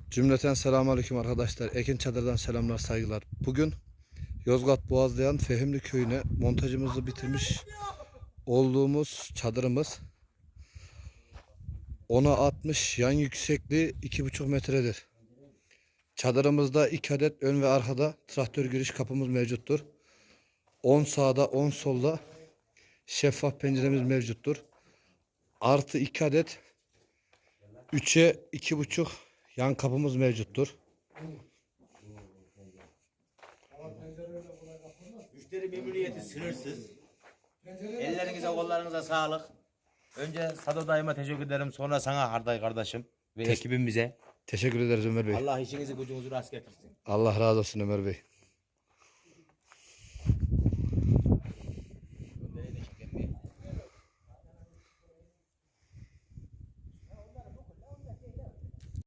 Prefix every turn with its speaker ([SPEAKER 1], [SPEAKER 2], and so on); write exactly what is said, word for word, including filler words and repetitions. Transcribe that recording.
[SPEAKER 1] Cümleten selamünaleyküm arkadaşlar. Ekin Çadır'dan selamlar, saygılar. Bugün Yozgat Boğazlayan Fehimli Köyü'ne montajımızı bitirmiş olduğumuz çadırımız ona altmış, yan yüksekliği iki buçuk metredir. Çadırımızda iki adet ön ve arkada traktör giriş kapımız mevcuttur. on sağda on solda şeffaf penceremiz mevcuttur. Artı iki adet üçe iki buçuk yan kapımız mevcuttur.
[SPEAKER 2] Müşteri memnuniyeti sınırsız. Ellerinize kollarınıza sağlık. Önce Sado dayıma teşekkür ederim. Sonra sana Harday kardeşim ve
[SPEAKER 1] Teş-
[SPEAKER 2] ekibimize.
[SPEAKER 1] Teşekkür ederiz Ömer Bey.
[SPEAKER 2] Allah işinizi gücünüzü rast getirsin.
[SPEAKER 1] Allah razı olsun Ömer Bey.